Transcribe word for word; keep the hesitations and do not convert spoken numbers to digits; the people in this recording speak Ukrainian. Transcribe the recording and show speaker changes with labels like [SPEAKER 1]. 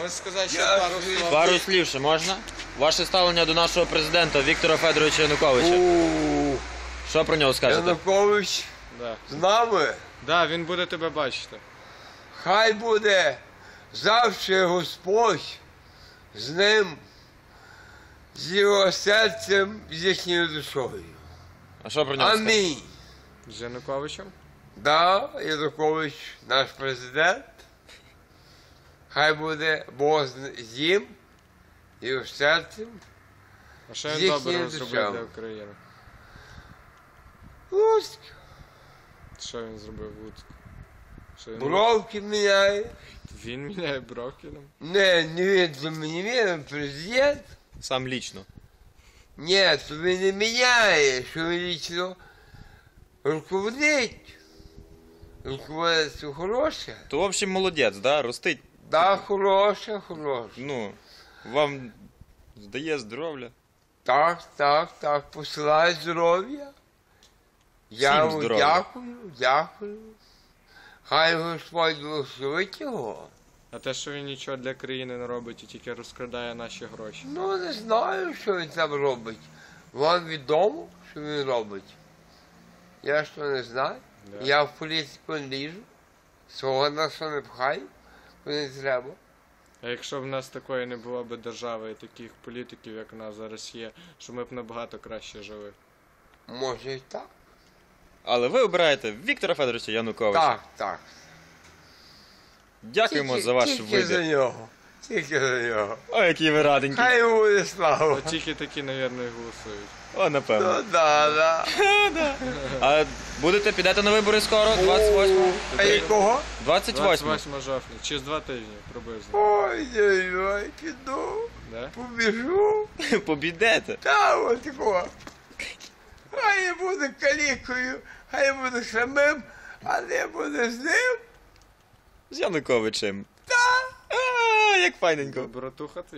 [SPEAKER 1] Можеш сказати ще пару слів?
[SPEAKER 2] Пару слів ще можна? Ваше ставлення до нашого президента Віктора Федоровича Януковича.
[SPEAKER 3] У,
[SPEAKER 2] Що про нього скажете?
[SPEAKER 3] Янукович
[SPEAKER 1] Да.
[SPEAKER 3] з нами.
[SPEAKER 1] Да, він буде тебе бачити.
[SPEAKER 3] Хай буде завжди Господь з ним, з його серцем, з їхньою душою.
[SPEAKER 2] А що про нього скажете?
[SPEAKER 3] Амінь.
[SPEAKER 1] З Януковичем?
[SPEAKER 3] Да, Янукович наш президент. Хай буде Бог з- з ним, його серцем.
[SPEAKER 1] А що
[SPEAKER 3] З
[SPEAKER 1] він
[SPEAKER 3] їхньою
[SPEAKER 1] доброго зробив
[SPEAKER 3] душами.
[SPEAKER 1] для України?
[SPEAKER 3] Луцьк.
[SPEAKER 1] Що він зробив в Луцьку? Що він...
[SPEAKER 3] Бровки міняє.
[SPEAKER 1] Він міняє бровки нам?
[SPEAKER 3] Не, не він, то мені він президент.
[SPEAKER 2] Сам лічно.
[SPEAKER 3] Ні, то він не міняє, що він лічно руководить. Руководство хороше.
[SPEAKER 2] То, в общем, молодець, да? Ростить.
[SPEAKER 3] Да, хороше, хороше.
[SPEAKER 2] Ну, вам здає здоров'я.
[SPEAKER 3] Так, так, так, посилай здоров'я. Я
[SPEAKER 2] Всім
[SPEAKER 3] йому
[SPEAKER 2] здоров'я.
[SPEAKER 3] дякую, дякую. Хай Господь благословить його.
[SPEAKER 1] А те, що він нічого для країни не робить і тільки розкрадає наші гроші.
[SPEAKER 3] Ну, не знаю, що він там робить. Вам відомо, що він робить. Я що не знаю.
[SPEAKER 1] Да.
[SPEAKER 3] Я в політику не ліжу. Свого на що не пхаю, бо не треба.
[SPEAKER 1] А якщо б в нас такої не було б держави і таких політиків, як у нас зараз є, що ми б набагато краще жили.
[SPEAKER 3] Може і так.
[SPEAKER 2] Але ви обираєте Віктора Федоровича Януковича.
[SPEAKER 3] Так, так.
[SPEAKER 2] Дякуємо
[SPEAKER 3] Тільки-
[SPEAKER 2] за ваш
[SPEAKER 3] Тільки за
[SPEAKER 2] вибір.
[SPEAKER 3] нього. Тільки за нього.
[SPEAKER 2] О, які ви раденькі.
[SPEAKER 3] Хай йому буде слава.
[SPEAKER 1] От тільки такі, навірно, і голосують.
[SPEAKER 2] О, напевно.
[SPEAKER 3] Ну да, да.
[SPEAKER 2] А будете, підете на вибори скоро? двадцять восьмого?
[SPEAKER 3] А якого?
[SPEAKER 2] двадцять восьмого.
[SPEAKER 1] двадцять восьмого жовтня, через два тижні приблизно.
[SPEAKER 3] Ой, ой, ой, піду,
[SPEAKER 1] Да?
[SPEAKER 3] побіжу.
[SPEAKER 2] Побідете.
[SPEAKER 3] Та от такого. Хай я буду калікою, хай я буду самим, а не буду з ним.
[SPEAKER 2] З Януковичем.
[SPEAKER 3] Та.
[SPEAKER 2] А, як файненько.
[SPEAKER 1] Братуха твій.